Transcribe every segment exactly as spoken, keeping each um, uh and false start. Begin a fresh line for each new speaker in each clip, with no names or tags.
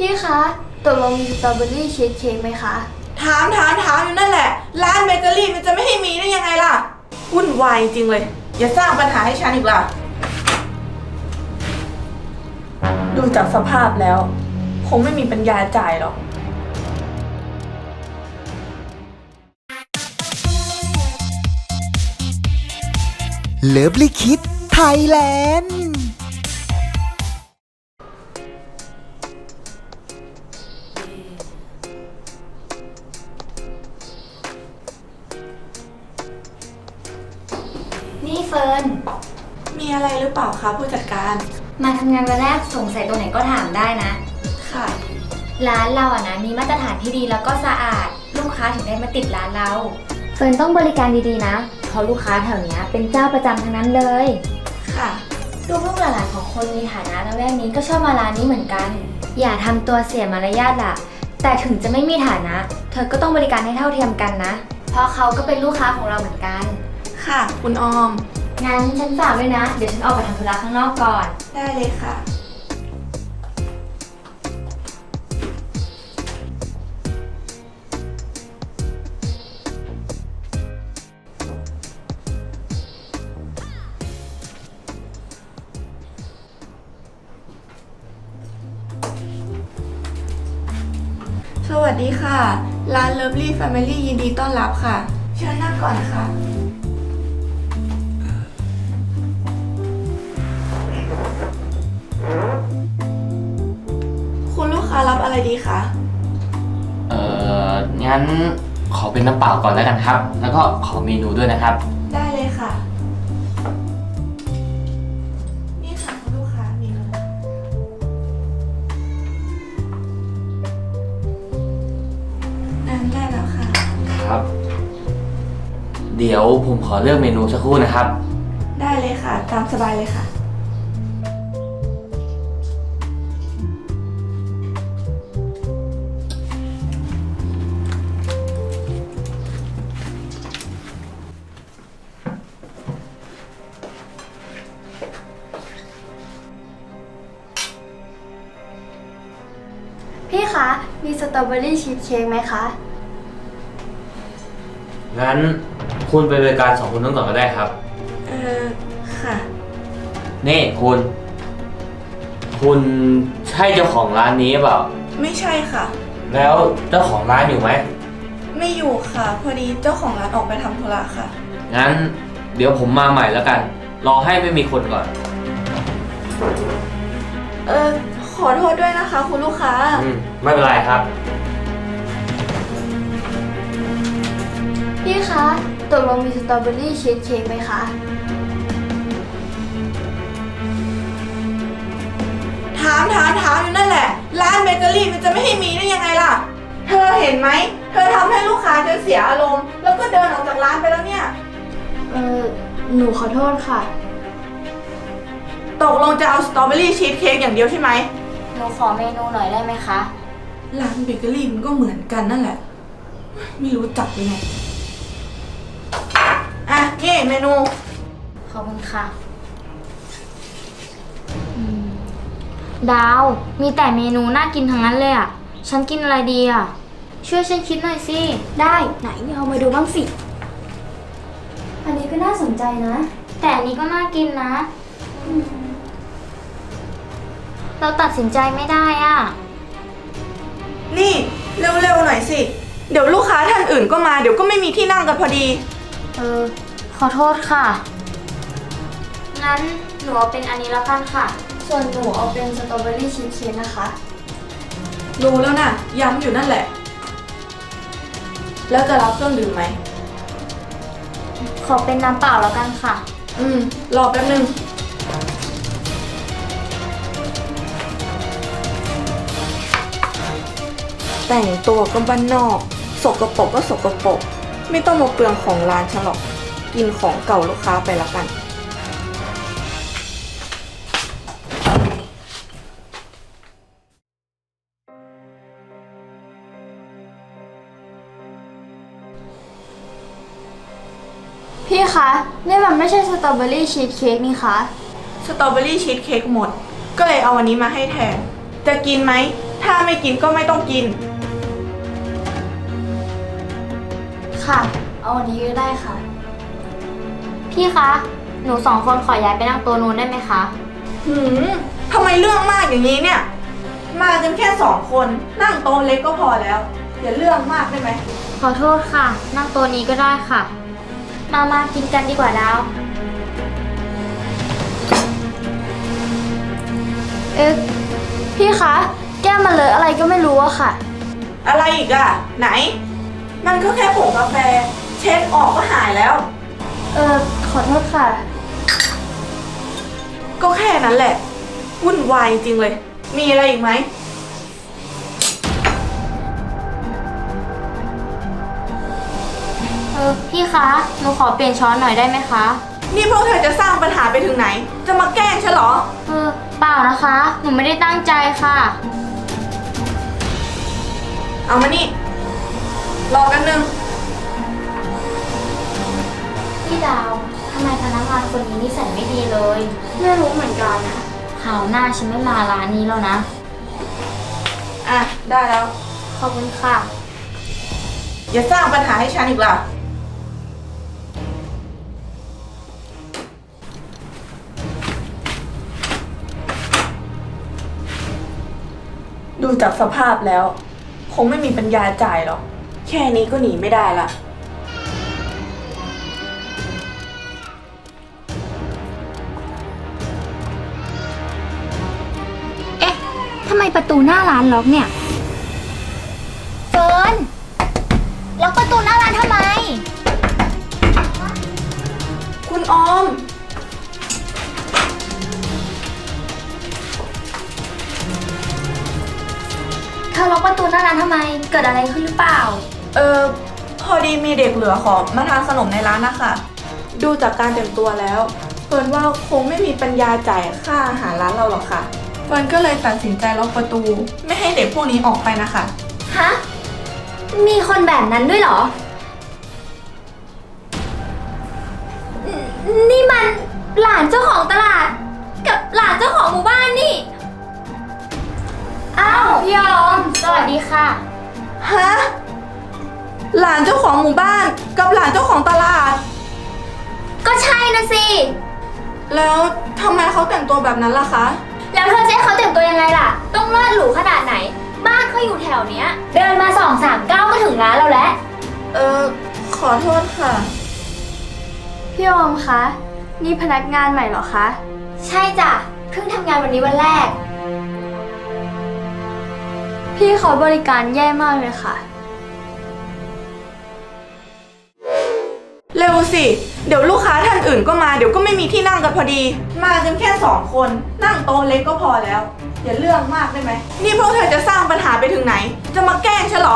พี่คะตกลงมีสตรอเบอรี่ชีสเค้กไหมคะ
ถามถามถามอยู่นั่นแหละร้านเบเกอรี่มันจะไม่ให้มีได้ยังไงล่ะวุ่นวายจริงเลยอย่าสร้างปัญหาให้ฉันอีกล่ะดูจากสภาพแล้วคงไม่มีปัญญาจ่ายหรอก
เลิฟลิคิดไทยแลนด์
นี่เฟิร์น
มีอะไรหรือเปล่าคะผู้จัดการ
มาทำงานวันแรกสงสัยตรงไหนก็ถามได้นะ
ค่ะ
ร้านเราอะนะมีมาตรฐานที่ดีแล้วก็สะอาดลูกค้าถึงได้มาติดร้านเราเฟิร์นต้องบริการดีๆนะเพราะลูกค้าแถวนี้เป็นเจ้าประจำทั้งนั้นเลย
ค่ะ
ลูกๆหลานๆของคนมีฐานะละแวกนี้ก็ชอบมาร้านนี้เหมือนกันอย่าทำตัวเสียมารยาทล่ะแต่ถึงจะไม่มีฐานะเธอก็ต้องบริการให้เท่าเทียมกันนะเพราะเขาก็เป็นลูกค้าของเราเหมือนกัน
ค่ะคุณออม
งั้นฉันฝากด้วยนะเดี๋ยวฉันออกไปทำธุระข้างนอกก่อน
ได้เลยค่ะสวัสดีค่ะร้าน Lovely Family ยินดีต้อนรับค่ะเชิญนั่งก่อนค่ะคุณลูกค้ารับอะไรดีคะ
เอ่องั้นขอเป็นน้ำเปล่าก่อนแล้วกันครับแล้วก็ขอเมนูด้วยนะครับ
ได้เลยค่ะนี่ค่ะคุณลูกค้าเมนูนั่นได้แล้วค่ะ
ครับเดี๋ยวผมขอเลือกเมนูสักครู่นะครับ
ได้เลยค่ะตามสบายเลยค่ะ
พี่คะมีสตรอเบอรี่ชีสเค้กไหมคะ
งั้นคุณไปบริการสองคนนั้นก่อนก็ได้ครับ
เออค่ะ
นี่คุณคุณใช่เจ้าของร้านนี้เปล่า
ไม่ใช่ค่ะ
แล้วเจ้าของร้านอยู่ไหม
ไม่อยู่ค่ะพอดีเจ้าของร้านออกไปทำธุระค่ะ
งั้นเดี๋ยวผมมาใหม่แล้วกันรอให้ไม่มีคนก่อน
เออขอโทษด้วยนะคะคุณลูกค้า
อืมไม่เป็นไรครับ
พี่คะตกลงมีสตรอเบอรี่ชีสเค้กไหมคะ
ถามถามถามอยู่นั่นแหละร้านเบเกอรี่มันจะไม่ให้มีได้ยังไงล่ะเธอเห็นไหมเธอทำให้ลูกค้าจนเสียอารมณ์แล้วก็เดินออกจากร้านไปแล้วเนี่ย
เออหนูขอโทษค่ะ
ตกลงจะเอาสตรอเบอรี่ชีสเค้กอย่างเดียวใช่ไหม
หนูขอเมนูหน่อยได้ไหมคะ
ร้านเบเกอรี่มันก็เหมือนกันนั่นแหละไม่รู้จักยังไงอ่ะนี่เมนู
ขอบคุณค่ะดาวมีแต่เมนูน่ากินทั้งนั้นเลยอ่ะฉันกินอะไรดีอ่ะช่วยฉันคิดหน่อยสิได้ไหนเอามาดูบ้างสิอันนี้ก็น่าสนใจนะแต่อันนี้ก็น่ากินนะเราตัดสินใจไม่ได้อ่ะ
นี่เร็วๆหน่อยสิเดี๋ยวลูกค้าท่านอื่นก็มาเดี๋ยวก็ไม่มีที่นั่งกันพอดี
เออขอโทษค่ะงั้นหนูเอาเป็นอันนี้แล้วกันค่ะส่วนหนูเอาเป็นสตรอเบอรี่ชีสเค้กนะคะ
รู้แล้วนะย้ำอยู่นั่นแหละแล้วจะรับเครื่องดื่มไหม
ขอเป็นน้ำเปล่าแล้วกันค่ะ
อืมรอแป๊บนึงแต่งตัวก็บ้านนอกสกปรกก็สกปรกไม่ต้องมาเปลืองของร้านฉันหรอกกินของเก่าลูกค้าไปละกัน
พี่คะนี่มันไม่ใช่สตรอเบอรี่ชีสเค้กนี่คะ
สตรอเบอรี่ชีสเค้กหมดก็เลยเอาอันนี้มาให้แทนจะกินไหมถ้าไม่กินก็ไม่ต้องกิน
ค่ะ เอาวันนี้ก็ได้ค่ะ พี่คะ หนูสองคนขอย้ายไปนั่งโต๊ะนู้นได้ไหมคะ
หืมทำไมเรื่องมากอย่างนี้เนี่ย มากันแค่สองคนนั่งโต๊ะเล็กก็พอแล้ว อย่าเรื่องมากได้ไหม
ขอโทษค่ะ นั่งโต๊ะนี้ก็ได้ค่ะ มามากินกันดีกว่าดาว เอ๊ะ พี่คะ แก้มมันเลอะอะไรก็ไม่รู้อะค่ะ
อะไรอีกอะไหน มันก็แค่ผงกาแฟ เช็ดออกก็หายแล้ว
เออขอโทษค่ะ
ก็แค่นั้นแหละ วุ่นวายจริงเลย มีอะไรอีกไหม
เออพี่คะ หนูขอเปลี่ยนช้อนหน่อยได้ไหมคะ
นี่พวกเธอจะสร้างปัญหาไปถึงไหน จะมาแกล้งฉันเหรอ
เออเปล่านะคะ หนูไม่ได้ตั้งใจค่ะ
เอามานี่ รอกันหนึ่ง
พี่ดาวทำไมพนักงานคนนี้นิสัยไม่ดีเลย ไม่รู้เหมือนกันนะคราวหน้าฉันไม่มาร้านนี้แล้วนะ
อ่ะ ได้แล้ว
ขอบคุณค่ะ
อย่าสร้างปัญหาให้ฉันอีกล่ะ ดูจากสภาพแล้ว คงไม่มีปัญญาจ่ายหรอก แค่นี้ก็หนีไม่ได้ละ
เอ๊ะทำไมประตูหน้าร้านล็อกเนี่ย เฟิร์น ล็อกประตูหน้าร้านทำไม
คุณออม
เธอล็อกประตูหน้าร้านทำไม เกิดอะไรขึ้นหรือเปล่า
เออพอดีมีเด็กเหลือขอมาทานขนมในร้านนะคะ ดูจากการแต่งตัวแล้วเฟิร์นว่าคงไม่มีปัญญาจ่ายค่าอาหารร้านเราหรอกค่ะเฟิร์นก็เลยตัดสินใจล็อกประตู ไม่ให้เด็กพวกนี้ออกไปนะคะ
ฮะ มีคนแบบนั้นด้วยเหรอ นี่มันหลานเจ้าของตลาด กับหลานเจ้าของหมู่บ้านนี่ อ้าวพี่ออม สวัสดีค่ะ
ฮะ หลานเจ้าของหมู่บ้านกับหลานเจ้าของตลาด
ก็ใช่นะสิ
แล้วทำไมเขาแต่งตัวแบบนั้นล่ะคะ
แล้วเธอจะให้เขาแต่งตัวยังไงล่ะ ต้องเลิศหรูขนาดไหน บ้านเขาอยู่แถวเนี้ย เดินมาสองสามก้าวก็ถึงร้านเราแล้ว
เออขอโทษค่ะ
พี่ออมคะ นี่พนักงานใหม่เหรอคะ ใช่จ้ะ เพิ่งทำงานวันนี้วันแรก พี่เขาบริการแย่มากเลยค่ะ
เร็วสิ เดี๋ยวลูกค้าท่านอื่นก็มา เดี๋ยวก็ไม่มีที่นั่งกันพอดี มากันแค่สองคน นั่งโต๊ะเล็กก็พอแล้ว อย่าเรื่องมากได้ไหม นี่พวกเธอจะสร้างปัญหาไปถึงไหน จะมาแกล้งฉันเหรอ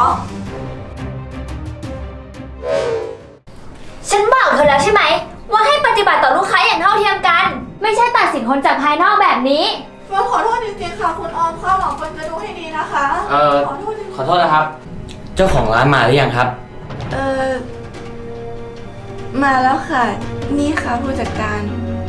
ฉันบอกเธอแล้วใช่ไหม ว่าให้ปฏิบัติต่อลูกค้าอย่างเท่าเทียมกัน ไม่ใช่ตัดสินคนจากภายนอกแบบนี้
เฟิร์นขอโทษจริงๆค่ะคุณออมข้าวหลังเฟิร์นจะดูให้ดีนะคะ
เอ่อ
ขอโทษจริง
ขอโทษนะครับ เจ้าของร้านมาหรือยังครับ
ๆเออมาแล้วค่ะ นี่ค่ะผู้จัดการ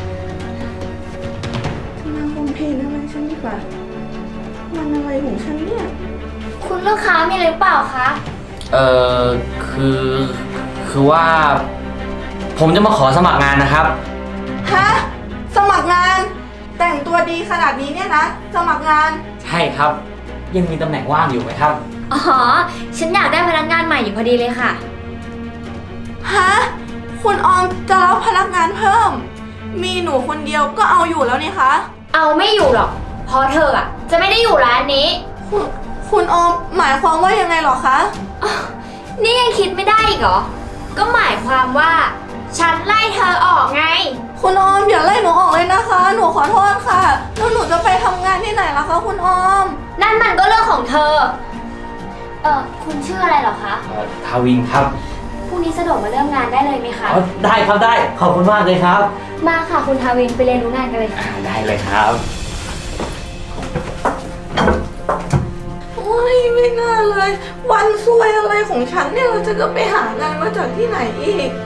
จะมาคอมเพลนอะไรฉันดีกว่ามันอะไรของฉันเนี่ย
คุณลูกค้ามีอะไรหรือเปล่าคะ
เอ่อ คือ คือว่า ผมจะมาขอสมัครงานนะครับ
ฮะ สมัครงาน แต่งตัวดีขนาดนี้เนี่ยนะ สมัครงาน
ใช่ครับ ยังมีตำแหน่งว่างอยู่ไหมครับ
อ๋อ ฉันอยากได้พนักงานใหม่อยู่พอดีเลยค่ะ
ฮะ คุณออมจะรับพนักงานเพิ่ม มีหนูคนเดียวก็เอาอยู่แล้วนี่คะ
เอาไม่อยู่หรอก เพราะเธออะจะไม่ได้อยู่ร้านนี้
คุณคุณออมหมายความว่ายังไงหรอคะ
อ้าวนี่ยังคิดไม่ได้อีกเหรอ ก็หมายความว่า ฉันไล่เธอออกไง
คุณออมอย่าไล่หนูออกเลยนะคะ หนูขอโทษค่ะ แล้วหนูจะไปทำงานที่ไหนล่ะคะคุณออม
นั่นมันก็เรื่องของเธอ เออคุณชื่ออะไรเหรอคะ
เอ่อ ทาวินครับ
พรุ่งนี้สะดวกมาเริ่มงานได้เลยไหมคะ
อ๋อได้ครับได้ ขอบคุณมากเลยครับ
มาค่ะคุณทาวินไปเรียนรู้งานกันเลยค่ะ
อ่าได้เลยครับ
โอ้ยไม่น่าเลย วันซวยอะไรของฉันเนี่ยเราจะก็ไปหางานมาจากที่ไหนอีก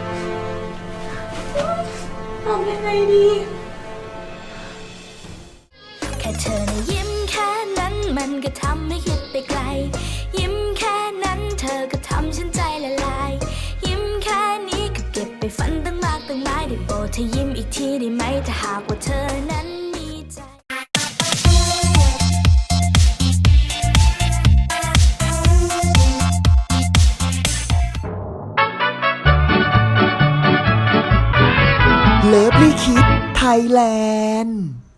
ทำยังไงดี
แค่เธอนะยิ้มแค่นั้นมันก็ทำให้คิดไปไกล ยิ้มแค่นั้นเธอก็ทำฉันใจละลาย ยิ้มแค่นี้ก็เก็บไปฝันตั้งมากตั้งหลายได้โปรดเธอยิ้มอีกทีได้ไหมถ้าหากว่าเธอนั้นมีใจ
เลิฟลี่คิดไทยแลนด์